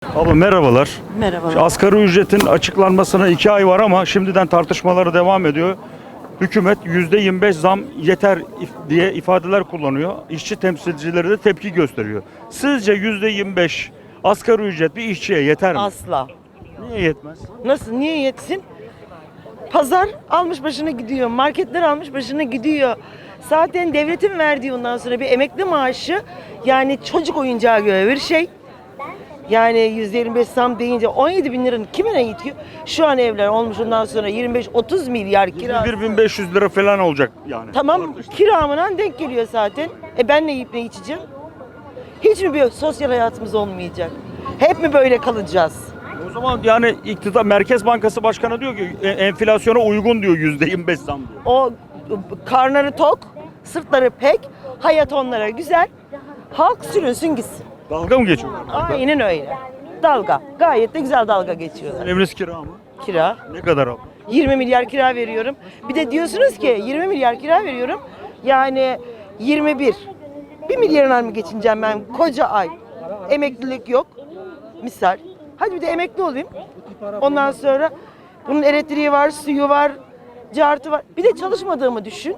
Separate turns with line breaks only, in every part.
Abla merhabalar.
Merhaba.
Şu asgari ücretin açıklanmasına 2 ay var ama şimdiden tartışmaları devam ediyor. Hükümet %25 zam yeter diye ifadeler kullanıyor. İşçi temsilcileri de tepki gösteriyor. Sizce %25 asgari ücret bir işçiye yeter mi?
Asla.
Niye yetmez?
Nasıl? Niye yetsin? Pazar almış başına gidiyor. Marketler almış başına gidiyor. Zaten devletin verdiği ondan sonra bir emekli maaşı yani çocuk oyuncağı göre bir şey. Yani %25 zam deyince 17 bin liranın kime ne yetiyor? Şu an evler olmuş ondan sonra 25-30 milyar kira.
21.500 lira falan olacak yani.
Tamam kiramına denk geliyor zaten. Ben ne yiyip ne içeceğim? Hiç mi bir sosyal hayatımız olmayacak? Hep mi böyle kalacağız?
O zaman yani iktidar Merkez Bankası Başkanı diyor ki enflasyona uygun diyor %25 zam diyor.
O karnları tok, sırtları pek, hayat onlara güzel. Halk sürünsün gitsin.
Dalga mı geçiyorlar?
Aynen öyle. Dalga. Gayet de güzel dalga geçiyorlar.
Eviniz kira mı?
Kira.
Ne kadar abla?
20 milyar kira veriyorum. Bir de diyorsunuz ki 20 milyar kira veriyorum. Yani 21. 1 milyarına mı geçineceğim ben koca ay? Emeklilik yok. Misal. Hadi bir de emekli olayım. Ondan sonra bunun elektriği var, suyu var, cartı var. Bir de çalışmadığımı düşün.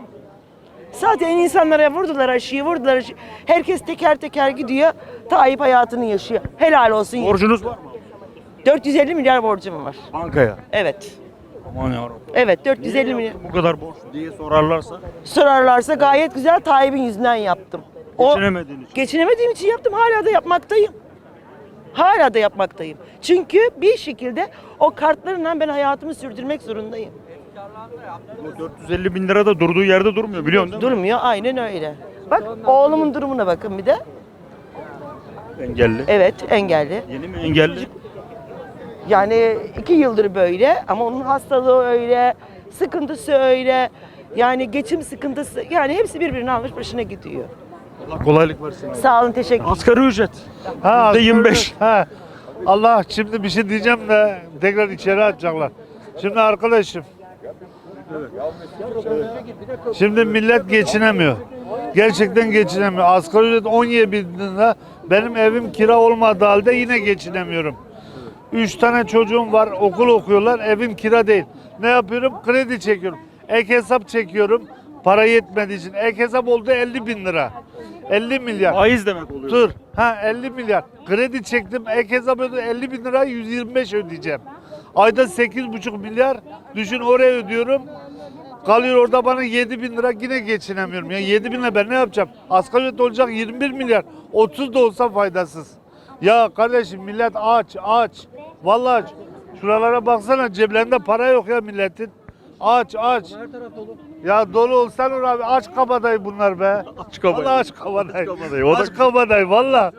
Zaten insanlara vurdular aşıyı, vurdular aşıyı. Herkes teker teker gidiyor. Tayyip hayatını yaşıyor. Helal olsun.
Borcunuz var mı?
450 milyar borcum var.
Bankaya.
Evet.
Aman yarabbim.
Evet 450
Niye
milyar.
yaptın bu kadar borç diye sorarlarsa
Sorarlarsa gayet güzel Tayyip'in yüzünden yaptım.
geçinemediğin için.
Geçinemediğim için yaptım. Hala da yapmaktayım. Hala da yapmaktayım. Çünkü bir şekilde o kartlarla ben hayatımı sürdürmek zorundayım.
Bu 450 bin lira da durduğu yerde durmuyor biliyorsun değil mi?
Durmuyor aynen öyle. Bak oğlumun durumuna bakın bir de.
Engelli.
Evet engelli.
Yeni mi engelli?
Yani 2 yıldır böyle ama onun hastalığı öyle, sıkıntısı öyle. Yani geçim sıkıntısı yani hepsi birbirini almış başına gidiyor.
Allah kolaylık versin.
Sağ olun teşekkür ederim.
Asgari ücret.
Ha,
%25.
ha. Allah şimdi bir şey diyeceğim de tekrar içeri atacaklar. Şimdi arkadaşım. Şimdi millet geçinemiyor. Gerçekten geçinemiyor. Asgari ücret 17 bin lira. Benim evim kira olmadığı halde yine geçinemiyorum. 3 tane çocuğum var, okul okuyorlar, evim kira değil. Ne yapıyorum? Kredi çekiyorum. Ek hesap çekiyorum. Para yetmediği için. Ek hesap oldu 50 bin lira. 50 milyar.
Faiz demek oluyor.
Dur. Ha 50 milyar. Kredi çektim. Ek hesap ödedim. 50 bin lira 125 ödeyeceğim. Ayda 8,5 milyar. Düşün oraya ödüyorum. Kalıyor orada bana 7 bin lira yine geçinemiyorum. Ya 7 bin lira ben ne yapacağım? Asgari ücret olacak 21 milyar. 30 da olsa faydasız. Ya kardeşim millet aç. Vallahi aç. Şuralara baksana ceplerinde para yok ya milletin. Aç. Ya dolu olsan abi aç kabadayı bunlar be.
Aç kabadayı.
Vallahi aç kabadayı.
Aç kabadayı, o da-
Aç kabadayı valla.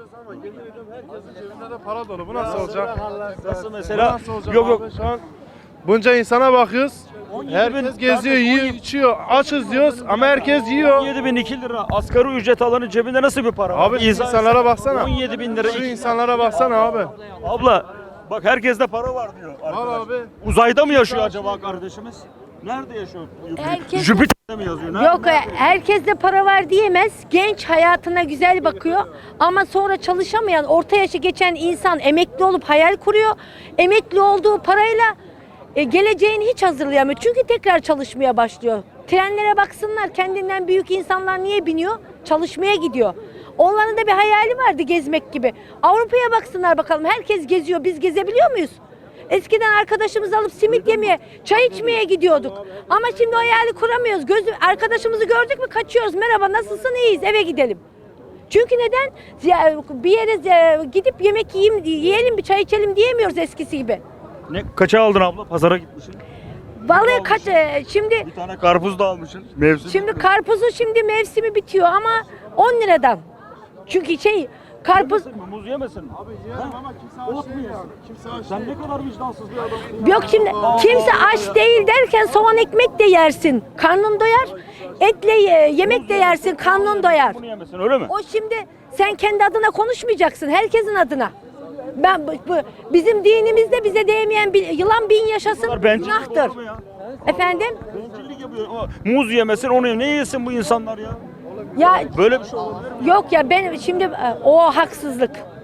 Para dolu. Bu nasıl olacak?
Nasıl
Bu
mesela?
nasıl olacak
Yok
abi?
yok.
Şu an bunca insana bakıyoruz. Herkes geziyor, yiyor, içiyor. Açız diyoruz ama herkes yiyor.
17.002 lira asgari ücret alanın cebinde nasıl bir para var?
Abi şu
İzah
insanlara
etsene.
baksana.
17 bin lira.
Şu insanlara baksana abi.
Abla bak herkeste para var diyor arkadaş.
abi.
Uzayda mı yaşıyor acaba kardeşimiz? Nerede yaşıyor?
Herkes-
Jüpiter'de mi yazıyor? Nerede?
Yok herkeste para var diyemez. Genç hayatına güzel bakıyor ama sonra çalışamayan orta yaşı geçen insan emekli olup hayal kuruyor. Emekli olduğu parayla geleceğini hiç hazırlayamıyor. Çünkü tekrar çalışmaya başlıyor. Trenlere baksınlar kendinden büyük insanlar niye biniyor? Çalışmaya gidiyor. Onların da bir hayali vardı gezmek gibi. Avrupa'ya baksınlar bakalım herkes geziyor. Biz gezebiliyor muyuz? Eskiden arkadaşımızı alıp simit yemeye, çay içmeye gidiyorduk. Ama şimdi o hayali kuramıyoruz. Arkadaşımızı gördük mü kaçıyoruz. Merhaba nasılsın iyiyiz eve gidelim. Çünkü neden? Bir yere gidip yemek yiyelim bir çay içelim diyemiyoruz eskisi gibi.
Ne kaça aldın abla? Pazara gitmişsin.
Vallahi şimdi
Bir tane karpuz da almışsın. Mevsim.
şimdi karpuzun şimdi mevsimi bitiyor ama 10 liradan. Çünkü karpuz
Yemesin mi? Muz yemesin mi? Abi yiyelim ama kimse aç değil yani. Sen ne kadar vicdansız bir adamsın.
yok şimdi kimse aç değil derken soğan ekmek de yersin. Karnın doyar. Etle yemek de yersin. Karnın doyar.
Bunu yemesin öyle mi?
O şimdi sen kendi adına konuşmayacaksın. Herkesin adına. Bizim dinimizde bize değmeyen bir yılan bin yaşasın
Bencillik
günahtır.
olur mu ya?
Efendim?
Bencillik yapıyor. Muz yemesin onu ne yesin bu insanlar ya?
Ya
Böyle bir şey olabilir mi?
yok ya ben şimdi o haksızlık.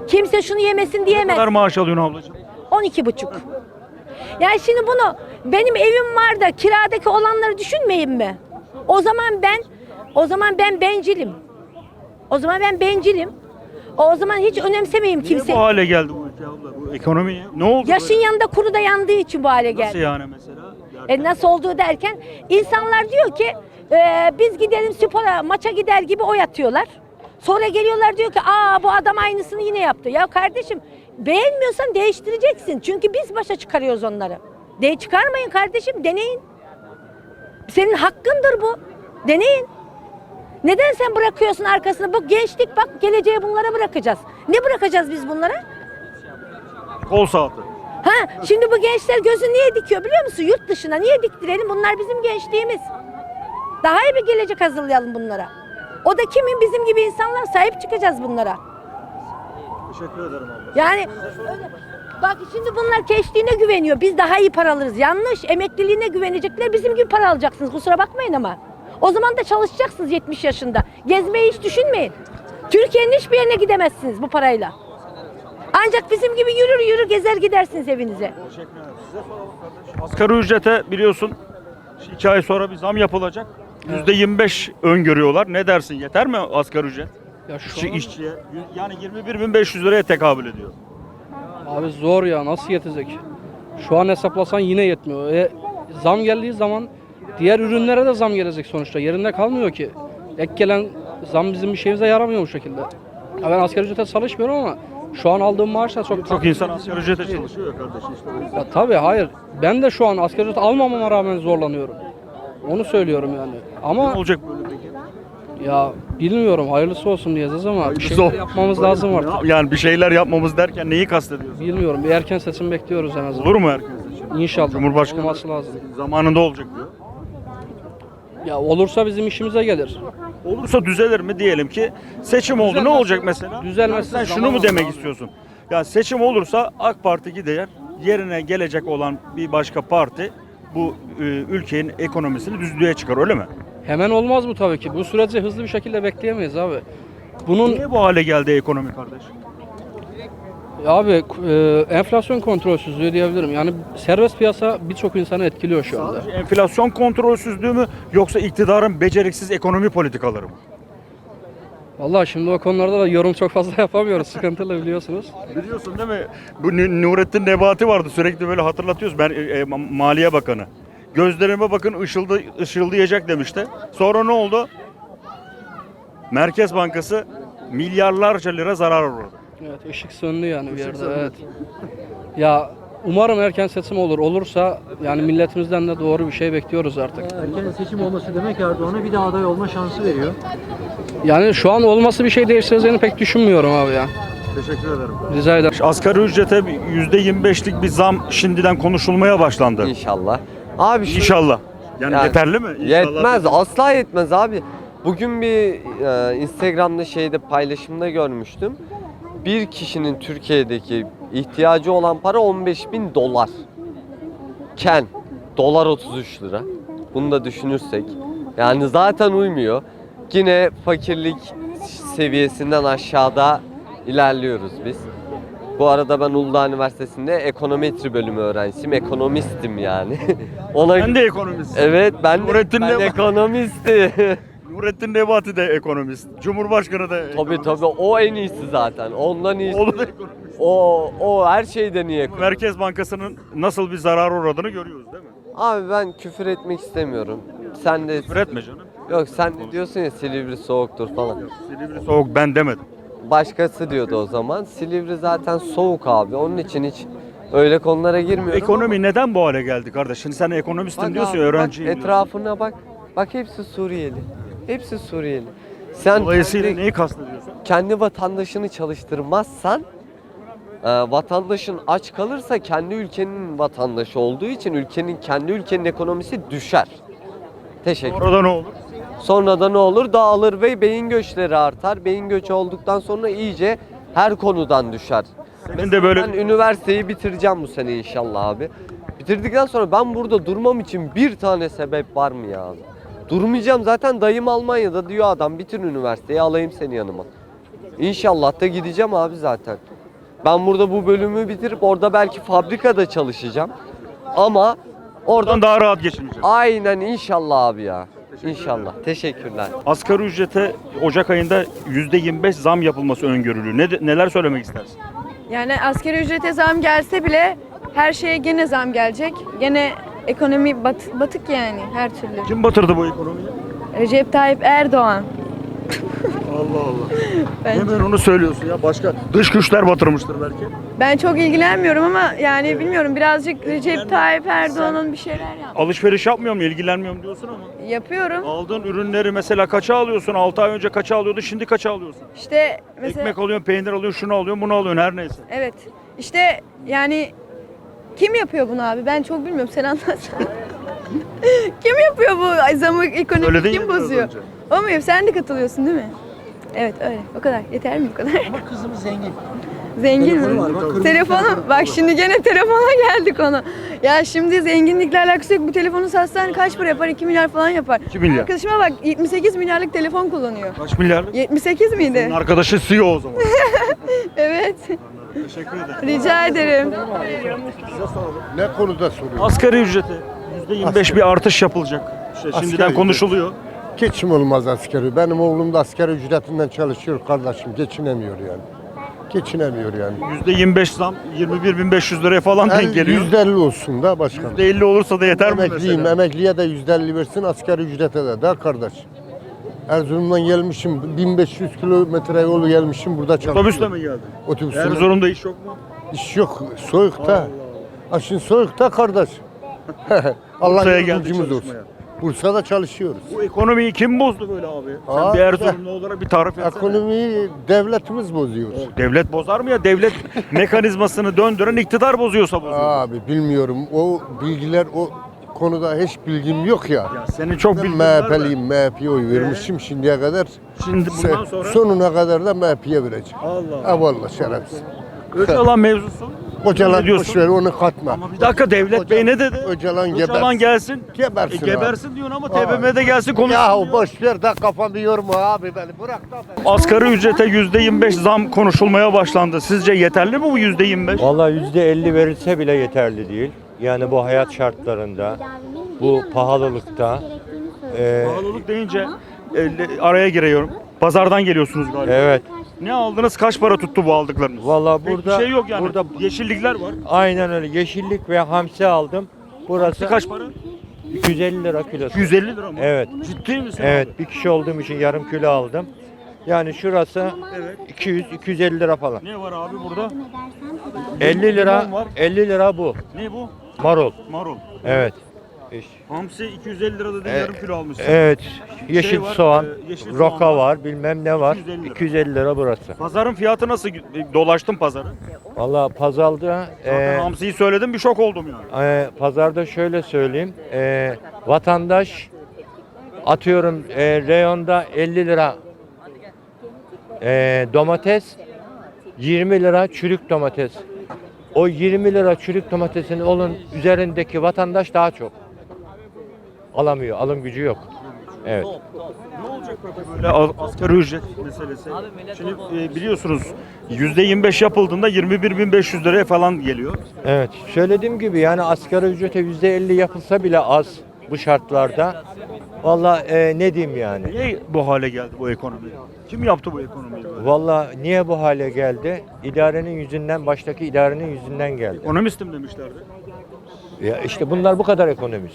Kimse şunu yemesin
Ne
diyemez.
kadar maaş alıyorsun ablacığım?
12,5. Yani şimdi bunu benim evim var da kiradaki olanları düşünmeyeyim mi? O zaman ben bencilim. O zaman ben bencilim. O zaman hiç önemsemeyeyim
Niye
kimse.
bu hale geldi bu ülke abla? Bu ekonomi ne oldu?
Yaşın
böyle?
yanında kuru da yandığı için bu hale
Nasıl
geldi.
yani mesela?
Nasıl olduğu derken insanlar diyor ki biz gidelim spora maça gider gibi oy atıyorlar. Sonra geliyorlar diyor ki bu adam aynısını yine yaptı. Ya kardeşim beğenmiyorsan değiştireceksin. Çünkü biz başa çıkarıyoruz onları. Çıkarmayın kardeşim, deneyin. Senin hakkındır bu. Deneyin. Neden sen bırakıyorsun arkasına? Bu gençlik bak, geleceğe bunlara bırakacağız. Ne bırakacağız biz bunlara?
Kol saati.
Şimdi bu gençler gözü niye dikiyor biliyor musun? Yurt dışına niye diktirelim? Bunlar bizim gençliğimiz. Daha iyi bir gelecek hazırlayalım bunlara. O da kimin? Bizim gibi insanlar, sahip çıkacağız bunlara.
Teşekkür ederim abla.
Yani öyle. Bak şimdi bunlar gençliğine güveniyor. Biz daha iyi para alırız. Yanlış. Emekliliğine güvenecekler. Bizim gibi para alacaksınız. Kusura bakmayın ama. O zaman da çalışacaksınız 70 yaşında. Gezmeyi hiç düşünmeyin. Türkiye'nin hiçbir yerine gidemezsiniz bu parayla. Ancak bizim gibi yürür gezer gidersiniz evinize.
Teşekkür ederim. Size soralım kardeşim. Asgari ücrete biliyorsun 2 ay sonra bir zam yapılacak. %25 öngörüyorlar. Ne dersin? Yeter mi asgari ücret?
Ya şu an,
İşçiye. Yani 21.500 liraya tekabül ediyor.
abi zor ya, nasıl yetecek? Şu an hesaplasan yine yetmiyor. Zam geldiği zaman diğer ürünlere de zam gelecek sonuçta. Yerinde kalmıyor ki. Ek gelen zam bizim bir şeyimize yaramıyor bu şekilde. Ya ben asgari ücrete çalışmıyorum ama şu an aldığım maaşla
Çok insan asgari ücrete çalışıyor ya kardeşim işte o yüzden.
Ya tabii hayır. Ben de şu an asgari ücret almamama rağmen zorlanıyorum. Onu söylüyorum yani.
Ne
Ama
olacak böyle peki?
ya bilmiyorum, hayırlısı olsun diyeceğiz ama bir
Hayırlısı
şeyler
olsun.
yapmamız lazım artık.
Yani bir şeyler yapmamız derken neyi kastediyorsun?
Bilmiyorum. Bir erken seçim bekliyoruz en azından.
Olur mu erken seçim?
İnşallah.
Cumhurbaşkanı
olması lazım.
zamanında olacak diyor.
Ya olursa bizim işimize gelir.
Olursa düzelir mi diyelim ki seçim oldu ne olacak mesela?
Düzelmezse
Yani sen şunu
zaman
mu demek
olur abi.
istiyorsun? Yani seçim olursa AK Parti gider yerine gelecek olan bir başka parti bu ülkenin ekonomisini düzlüğe çıkar öyle mi?
Hemen olmaz bu tabii ki. Bu süreci hızlı bir şekilde bekleyemeyiz abi. Bunun
Niye bu hale geldi ekonomi kardeş?
abi enflasyon kontrolsüzlüğü diyebilirim. Yani serbest piyasa birçok insanı etkiliyor şu anda.
Sadece enflasyon kontrolsüzlüğü mü yoksa iktidarın beceriksiz ekonomi politikaları mı?
Vallahi şimdi o konularda da yorum çok fazla yapamıyoruz. Sıkıntılı biliyorsunuz.
Biliyorsun değil mi? Bu Nurettin Nebati vardı sürekli böyle hatırlatıyoruz. Ben Maliye Bakanı. Gözlerime bakın ışıldayacak demişti. Sonra ne oldu? Merkez Bankası milyarlarca lira zarar uğradı.
Evet, ışık söndü yani bir yerde.
söndü.
Evet. Ya umarım erken seçim olur. Olursa yani milletimizden de doğru bir şey bekliyoruz artık.
Erken seçim olması demek Erdoğan'a bir daha aday olma şansı veriyor.
Yani şu an olması bir şey değiştireceğini pek düşünmüyorum abi ya.
Teşekkür ederim.
Rica ederim.
Asgari ücrete %25'lik bir zam şimdiden konuşulmaya başlandı.
İnşallah. Abi şu
İnşallah. Yani yeterli mi? İnşallah.
yetmez, asla yetmez abi. Bugün bir Instagram'da paylaşımda görmüştüm. Bir kişinin Türkiye'deki ihtiyacı olan para 15.000 dolar. Dolar 33 lira. Bunu da düşünürsek yani zaten uymuyor. Yine fakirlik seviyesinden aşağıda ilerliyoruz biz. Bu arada ben Uludağ Üniversitesi'nde ekonometri bölümü öğrencisiyim. Ekonomistim yani.
Ben de ekonomist.
Evet ben
Nurettin Nebati.
ekonomistim.
Nurettin Nebati de ekonomist. Cumhurbaşkanı da ekonomist.
Tabii o en iyisi zaten. Ondan iyisi.
Oğlu da ekonomist.
O her şeyden iyi ekonomist.
Merkez Bankası'nın nasıl bir zarar uğradığını görüyoruz değil mi?
Abi ben küfür etmek istemiyorum. Sen de
Küfür etme canım.
Yok sen de diyorsun ya Silivri soğuktur falan.
Silivri soğuk ben demedim.
Başkası diyordu o zaman. Silivri zaten soğuk abi. Onun için hiç öyle konulara girmiyorum.
Ekonomi neden bu hale geldi kardeş? Şimdi sen ekonomistin
Bak
diyorsun
abi,
ya, öğrenciyim
bak,
diyorsun.
etrafına bak. Bak hepsi Suriyeli. Hepsi Suriyeli. Sen
Dolayısıyla neyi kastediyorsun?
kendi vatandaşını çalıştırmazsan vatandaşın aç kalırsa kendi ülkenin vatandaşı olduğu için kendi ülkenin ekonomisi düşer. Teşekkür.
Orada ne olur?
Sonra da ne olur? Dağılır ve beyin göçleri artar. Beyin göçü olduktan sonra iyice her konudan düşer.
Senin de böyle
Ben üniversiteyi bitireceğim bu sene inşallah abi. Bitirdikten sonra ben burada durmam için bir tane sebep var mı ya abi? Durmayacağım zaten, dayım Almanya'da diyor adam, bitir üniversiteyi alayım seni yanıma. İnşallah da gideceğim abi zaten. Ben burada bu bölümü bitirip orada belki fabrikada çalışacağım. Ama
Oradan
oradan
daha rahat geçineceğiz.
aynen inşallah abi ya. İnşallah. Teşekkürler.
Asgari ücrete Ocak ayında %25 zam yapılması öngörülüyor. Neler söylemek istersin?
Yani asgari ücrete zam gelse bile her şeye gene zam gelecek. Gene ekonomi batık yani her türlü.
Kim batırdı bu ekonomiyi?
Recep Tayyip Erdoğan.
Allah Allah.
Ben,
Hemen onu söylüyorsun ya. Başka dış güçler batırmıştır belki.
ben çok ilgilenmiyorum ama yani bilmiyorum birazcık Recep Tayyip Erdoğan'ın bir şeyler
Alışveriş yapmıyor mu, ilgilenmiyor mu diyorsun ama.
yapıyorum.
Aldığın ürünleri mesela kaça alıyorsun? 6 ay önce kaça alıyordun, şimdi kaça alıyorsun?
İşte mesela
Ekmek alıyorsun, peynir alıyorsun, şunu alıyorsun, bunu alıyorsun her neyse.
evet. İşte yani kim yapıyor bunu abi? Ben çok bilmiyorum. Sen anlatsana. Kim yapıyor bu zamı ekonomi
Söyledin
kim
ya biraz
bozuyor?
önce.
O muyum? Sen de katılıyorsun değil mi? Evet öyle. O kadar. Yeter mi bu kadar?
Ama kızımız zengin.
Zengin mi?
Telefonu var, bak, kırmızı
Telefonu. Bak şimdi gene telefona geldik ona. Ya şimdi zenginlikle alakası yok. Bu telefonu satsan kaç para yapar? 2 milyar falan yapar.
2 milyar.
Arkadaşıma bak 78 milyarlık telefon kullanıyor.
Kaç milyarlık?
78 miydi?
Senin arkadaşı CEO o zaman.
Evet.
Teşekkür ederim.
Rica ederim.
Ne konuda soruyorsun?
Asgari ücrete %25 bir artış yapılacak. İşte şimdiden
ücret.
konuşuluyor.
Geçim olmaz askeri. Benim oğlum da asgari ücretinden çalışıyor kardeşim. Geçinemiyor yani. Geçinemiyor yani.
%25 zam 21.500 liraya falan denk geliyor.
%50 olsun da başkanım.
%50 olursa da yeter mi
Emekliyim.
mesela?
Emekliye de %50 versin, asgari ücrete de kardeş. Erzurum'dan gelmişim. 1500 kilometre yolu gelmişim. Burada çalışıyorum.
Otobüsle mi geldin?
Otobüsle.
Erzurum'da iş yok mu?
İş yok. Soğukta. Aşın soğukta kardeş. Allah
Bursa'ya geldik
yardımcımız olsun.
çalışmaya.
Bursa'da çalışıyoruz.
Bu ekonomiyi kim bozdu böyle abi? Sen
Abi,
bir Erzurumlu olarak bir tarif etsene.
Ekonomiyi devletimiz bozuyor.
Devlet bozar mı ya? Devlet mekanizmasını döndüren iktidar bozuyorsa bozuyor.
Abi bilmiyorum. O bilgiler o konuda hiç bilgim yok ya.
Ya senin çok
Ben
bilgin var da.
MHP'liyim. MHP'ye oy vermişim şimdiye kadar.
Şimdi bundan sonra
Sonuna kadar da MHP'ye vereceğim.
Allah.
Ha vallahi şerefsiz.
Öcalan mevzusu. Ne
Kocalan
diyorsun?
boş ver onu katma.
Ama bir dakika Devlet Bey ne dedi?
Öcalan
Öcalan
gebersin.
gelsin.
Gebersin.
Gebersin diyorsun ama
Abi.
TBMM'de gelsin konuşsun.
Ya
diyor.
boş ver de kafamı yorma abi beni. Bırak da beni.
Asgari ücrete %25 zam konuşulmaya başlandı. Sizce yeterli mi bu %25?
Vallahi %50 verilse bile yeterli değil. Yani bu hayat şartlarında, bu pahalılıkta.
Pahalılık deyince araya giriyorum. Pazardan geliyorsunuz galiba.
Evet.
Ne aldınız? Kaç para tuttu bu aldıklarınız?
Vallahi
Pek
burada
bir şey yok yani.
burada
Yeşillikler var.
aynen öyle yeşillik ve hamsi aldım. Burası
Kaç para?
250 lira kilosu.
150 lira mı?
Evet.
Ciddi misin?
Evet,
abi?
bir kişi olduğum için yarım kilo aldım. Yani şurası
Evet.
200-250 lira falan.
Ne var abi burada?
50 lira,
Limon var.
50 lira bu.
Ne bu?
Marul.
Marul.
Evet.
Hamsi 250 lira dedin, yarım kilo almışsın.
Evet. Yeşil
var,
soğan,
yeşil soğan
roka
var.
var, bilmem ne var.
250 lira.
250 lira burası.
Pazarın fiyatı nasıl? Dolaştım pazarı.
Vallahi pazarda
Zaten hamsiyi söyledim, bir şok oldum yani.
pazarda şöyle söyleyeyim. Vatandaş atıyorum reyonda 50 lira domates, 20 lira çürük domates. O 20 lira çürük domatesin onun üzerindeki vatandaş daha çok alamıyor. Alım gücü yok. Evet.
Ne olacak peki böyle asgari ücret meselesi? Şimdi biliyorsunuz %25 yapıldığında 21.500 liraya falan geliyor.
Evet. Söylediğim gibi yani asgari ücrete %50 yapılsa bile az bu şartlarda. Vallahi ne diyeyim yani?
Niye bu hale geldi bu ekonomi? Kim yaptı bu ekonomiyi böyle?
Vallahi niye bu hale geldi? İdarenin yüzünden, baştaki idarenin yüzünden geldi.
Ekonomistim demişlerdi.
Ya işte bunlar bu kadar ekonomist.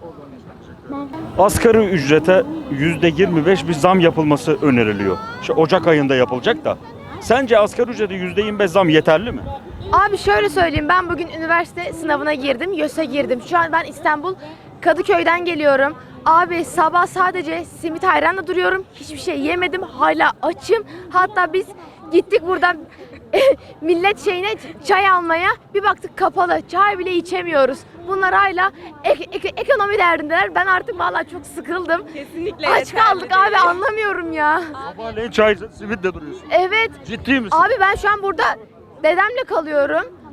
Asgari ücrete %25 bir zam yapılması öneriliyor. İşte Ocak ayında yapılacak da. Sence asgari ücrete %25 zam yeterli mi?
Abi şöyle söyleyeyim, ben bugün üniversite sınavına girdim, YÖS'e girdim. Şu an ben İstanbul Kadıköy'den geliyorum. Abi sabah sadece simit ayranla duruyorum. Hiçbir şey yemedim. Hala açım. Hatta biz gittik buradan millet şeyine çay almaya. Bir baktık kapalı. Çay bile içemiyoruz. Bunlar hala ekonomi derdindeler. Ben artık vallahi çok sıkıldım.
Kesinlikle
Aç kaldık abi, anlamıyorum ya.
Sabahleyin çay, simitle duruyorsun.
Evet.
Ciddi misin?
Abi ben şu an burada dedemle kalıyorum.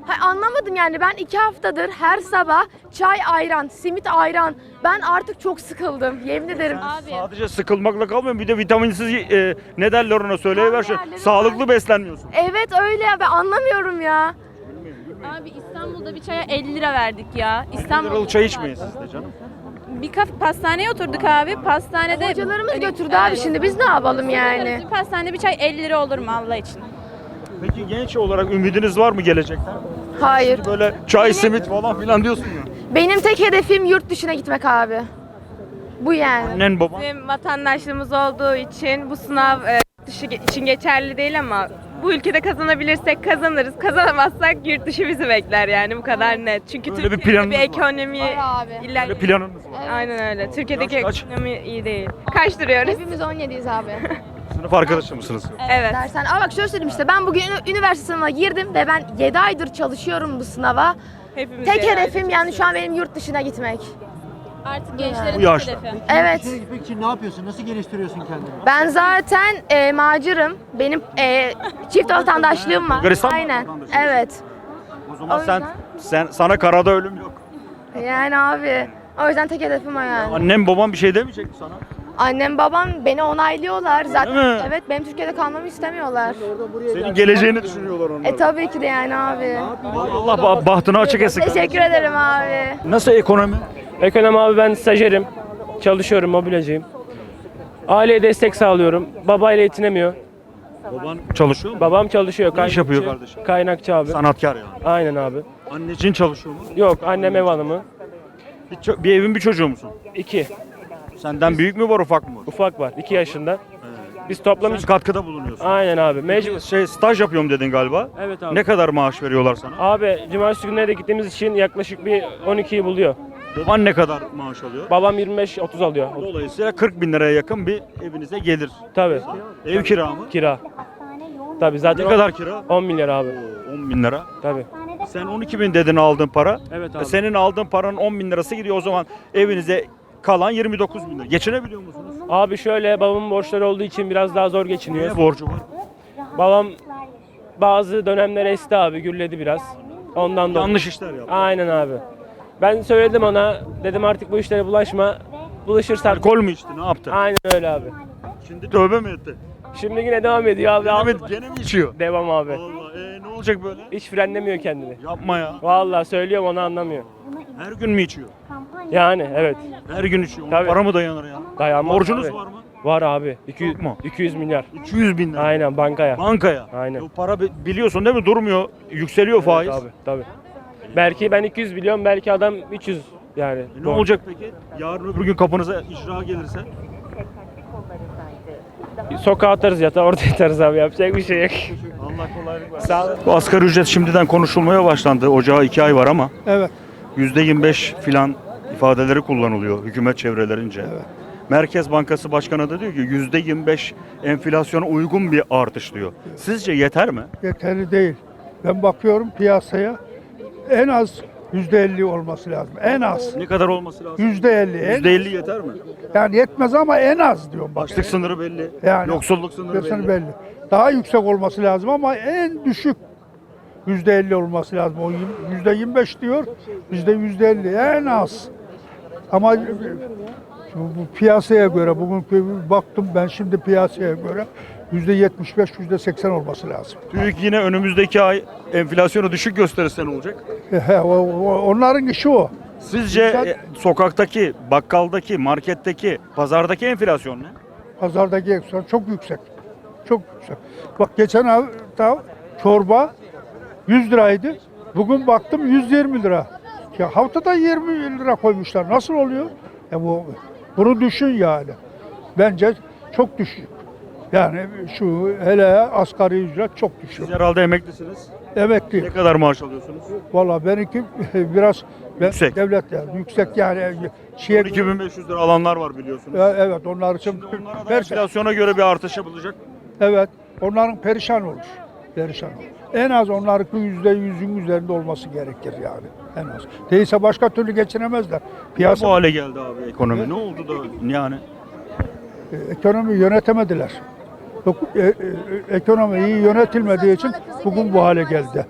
Anlamadım yani, ben 2 haftadır her sabah çay ayran, simit ayran. Ben artık çok sıkıldım, yemin ederim.
Sadece sıkılmakla kalmıyor, bir de vitaminsiz ne derler ona, söyleyiver şu.
Değerleri
Sağlıklı beslenmiyorsun.
Evet öyle ya, ben anlamıyorum ya.
Abi İstanbul'da bir çaya 50 lira verdik ya.
Liralık çay içmeyin siz de canım.
Bir pastaneye oturduk abi. Pastanede
Hocalarımız götürdü abi, şimdi biz ne yapalım yani?
Bir pastanede bir çay 50 lira olur mu Allah için?
Peki genç olarak ümidiniz var mı gelecekten?
Hayır.
Böyle çay, simit falan filan diyorsun ya.
Benim tek hedefim yurt dışına gitmek abi. Bu yani.
Annen baban.
Bizim vatandaşlığımız olduğu için bu sınav dışı için geçerli değil ama bu ülkede kazanabilirsek kazanırız. Kazanamazsak yurt dışı bizi bekler yani, bu kadar net. Çünkü
Öyle bir
Türkiye'de
planınız
bir
var.
ekonomi
Böyle planınız var.
Aynen öyle. Türkiye'deki
Yaş kaç?
ekonomi iyi değil. Kaç duruyoruz?
Hepimiz 17'yiz abi.
Sınıf arkadaşı mısınız?
Evet.
Dersen. Ama bak şöyle söyleyeyim, işte ben bugün üniversite sınavına girdim ve ben 7 aydır çalışıyorum bu sınava.
Hepimiz
Tek
yani.
hedefim yani şu an benim yurt dışına gitmek.
Artık gençlerin
Bu yaşta.
hedefi.
Evet.
Dışarı gitmek için ne yapıyorsun? Nasıl geliştiriyorsun kendini?
Ben zaten macırım. Benim çift vatandaşlığım var.
Bulgaristan
Aynen.
vatandaşı.
Evet.
O zaman
O
sana karada ölüm yok.
Yani abi. O yüzden tek hedefim o yani.
Annem baban bir şey demeyecek mi sana?
Annem babam beni onaylıyorlar. Zaten
Değil mi?
evet, benim Türkiye'de kalmamı istemiyorlar.
Senin geleceğini düşünüyorlar onlar.
Tabii ki de yani abi.
Allah bahtını açık etsin.
Teşekkür ederim abi.
Nasıl ekonomi?
Ekonomi abi, ben stajyerim. Çalışıyorum, mobilyacıyım. Aileye destek sağlıyorum. Babayla yetinemiyor.
Baban çalışıyor mu?
Babam çalışıyor.
Ne iş yapıyor kardeşim?
Kaynakçı abi.
Sanatkar yani.
Aynen abi.
Anneciğin çalışıyor mu?
Yok, annem ev hanımı.
Bir evin bir çocuğu musun?
2.
Senden büyük mü var ufak mı?
Ufak var. 2 yaşında. Biz toplam
Sen katkıda bulunuyorsun.
Aynen abi. Mecbur.
Staj yapıyorum dedin galiba.
Evet abi.
Ne kadar maaş veriyorlar sana?
Abi cumartesi günleri de gittiğimiz için yaklaşık bir 12'yi buluyor.
Baban ne kadar maaş alıyor?
Babam 25-30 alıyor.
Dolayısıyla 40 bin liraya yakın bir evinize gelir.
Tabii.
Ev kira mı?
Kira. Tabii zaten
Ne kadar kira?
10 milyar abi.
10 bin lira.
Tabii.
Sen 12 bin dedin aldığın para.
Evet abi.
Senin aldığın paranın 10 bin lirası gidiyor, o zaman evinize kalan 29 bin lira. Geçinebiliyor musunuz?
Abi şöyle, babamın borçları olduğu için biraz daha zor geçiniyor.
Ne borcu var?
Babam bazı dönemler esti abi, gürledi biraz. Ondan dolayı.
Yanlış işler yaptı.
Aynen abi. Ben söyledim ona, dedim artık bu işlere bulaşma. Bulaşırsan.
Alkol mü içti, ne yaptı?
Aynen öyle abi.
Şimdi tövbe mi etti?
Şimdi yine devam ediyor abi.
Ahmet gene mi içiyor?
Devam abi.
Vallahi ne olacak böyle?
Hiç frenlemiyor kendini.
Yapma ya.
Vallahi söylüyorum, onu anlamıyor.
Her gün mü içiyor?
Yani evet.
Her gün içiyor. Ona
Tabii.
para mı dayanır ya?
Dayanmaz
Borcunuz
abi.
var mı?
Var abi. 200,
Çok mu?
200 milyar.
200 bin lira.
Aynen, bankaya.
Bankaya.
Aynen.
O para biliyorsun değil mi? Durmuyor. Yükseliyor faiz.
Evet abi, tabii. Belki ben 200 biliyorum, belki adam 300 yani.
Ne olacak peki? Yarın öbür gün kapınıza icra gelirse?
Sokağa atarız, yatağa orada yatarız abi, yapacak bir şey yok.
Allah kolaylık versin.
Sağ ol.
Bu asgari ücret şimdiden konuşulmaya başlandı. Ocağa 2 ay var ama
Evet.
%25 filan ifadeleri kullanılıyor hükümet çevrelerince. Merkez Bankası Başkanı da diyor ki %25 enflasyona uygun bir artış diyor. Sizce yeter mi?
Yeterli değil. Ben bakıyorum piyasaya, en az %50 olması lazım. En az.
Ne kadar olması lazım?
%50.
%50 yeter mi?
Yani yetmez ama en az diyorum bak.
Açlık sınırı belli.
Yani
Yoksulluk sınırı
Kesin
belli.
Daha yüksek olması lazım ama en düşük %50 olması lazım. O %25 diyor, bizde %50 en az. Ama bu piyasaya göre, bugün baktım ben şimdi piyasaya göre %75, %80 olması lazım.
TÜİK yine önümüzdeki ay enflasyonu düşük gösterirse ne olacak?
Onların işi o.
Sizce sokaktaki, bakkaldaki, marketteki, pazardaki enflasyon ne?
Pazardaki enflasyon çok yüksek. Çok yüksek. Bak geçen hafta çorba 100 liraydı. Bugün baktım 120 lira. Ya haftada 20 lira koymuşlar. Nasıl oluyor? Bunu düşün yani. Bence çok düşük. Yani şu hele asgari ücret çok düşük.
Siz herhalde emeklisiniz.
Emekli.
Ne kadar maaş alıyorsunuz?
Valla benimki biraz
Yüksek.
devlet yani yüksek yani şeye
12.500 lira alanlar var biliyorsunuz.
evet onlar için
Onlara da enflasyona göre bir artış yapılacak.
evet onların perişan olur. Perişan olur. En az onlarınki %100'ün üzerinde olması gerekir yani. En az. Değilse başka türlü geçinemezler. Piyasa
Bu hale geldi abi ekonomi. Ne oldu da yani?
ekonomi yönetemediler. Ekonomi iyi yönetilmediği için bugün bu hale geldi.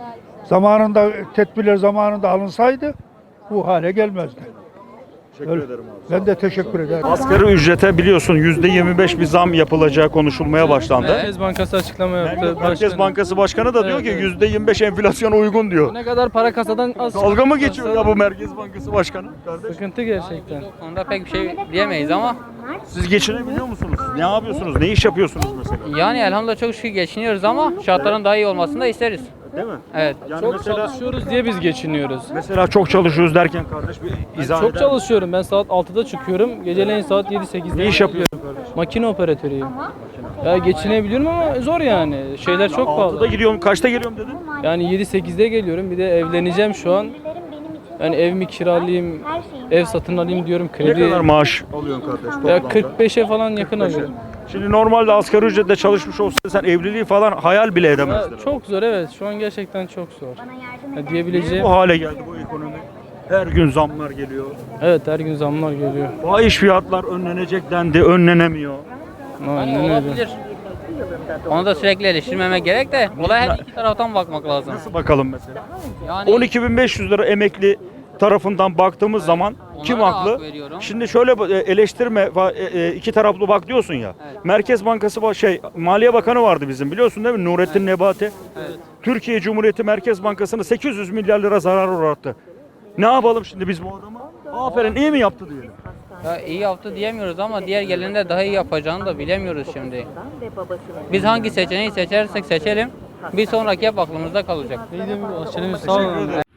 zamanında tedbirler zamanında alınsaydı bu hale gelmezdi.
Teşekkür ederim abi.
Ben de teşekkür ederim.
Asgari ücrete biliyorsun %25 bir zam yapılacağı konuşulmaya başlandı.
Merkez Bankası açıklama yaptı.
Merkez Bankası Başkanı da diyor ki %25 enflasyona uygun diyor.
Ne kadar para kasadan az.
Dalga mı geçiyor ya bu Merkez Bankası Başkanı? Kardeş,
Sıkıntı gerçekten.
Onda pek bir şey diyemeyiz ama
siz geçinebiliyor musunuz? Ne yapıyorsunuz? Ne iş yapıyorsunuz mesela?
yani elhamdülillah çok şükür geçiniyoruz ama şartların daha iyi olmasını da isteriz.
Değil mi?
Evet.
Yani
Çok
mesela,
çalışıyoruz diye biz geçiniyoruz.
mesela çok çalışıyoruz derken kardeş bir izah
Çok
eder
çalışıyorum. Ben saat 6'da çıkıyorum. Geceleyin saat 7-8'de.
Ne iş yapıyorsun kardeş?
Makine operatörüyüm. Ya geçinebiliyorum ama zor yani. Şeyler çok
6'da
pahalı.
gidiyorum, kaçta geliyorum dedin?
Yani 7-8'de geliyorum. Bir de evleneceğim şu an. Yani ev mi kiralayayım, ev satın alayım diyorum.
Ne
Kredi.
kadar maaş alıyorsun kardeş?
Ya
toplamda?
45'e falan yakın alıyorum.
Şimdi normalde asgari ücretle çalışmış olsaydın sen evliliği falan hayal bile
Ya
edemezdin.
çok zor, evet. Şu an gerçekten çok zor. Ya diyebileceğim.
Bu hale geldi bu ekonomi. Her gün zamlar geliyor.
Evet, her gün zamlar geliyor.
Fahiş fiyatlar önlenecek dendi, önlenemiyor.
Aynen öyle.
Olabilir. Onu da sürekli eleştirmemek gerek de olaya her iki taraftan bakmak lazım.
Nasıl bakalım mesela?
Yani
12.500 lira emekli tarafından baktığımız zaman kim
da
haklı?
hak veriyorum.
Şimdi şöyle eleştirme iki taraflı bak diyorsun ya. Merkez Bankası Maliye Bakanı vardı bizim biliyorsun değil mi? Nurettin Nebati. Türkiye Cumhuriyeti Merkez Bankası'nı 800 milyar lira zarar uğrattı. Ne yapalım şimdi biz bu adama? Aferin iyi mi yaptı diyelim.
ya iyi yaptı diyemiyoruz ama diğer gelende daha iyi yapacağını da bilemiyoruz şimdi. Biz hangi seçeneği seçersek seçelim bir sonraki hep aklımızda kalacak.
Sağ olun.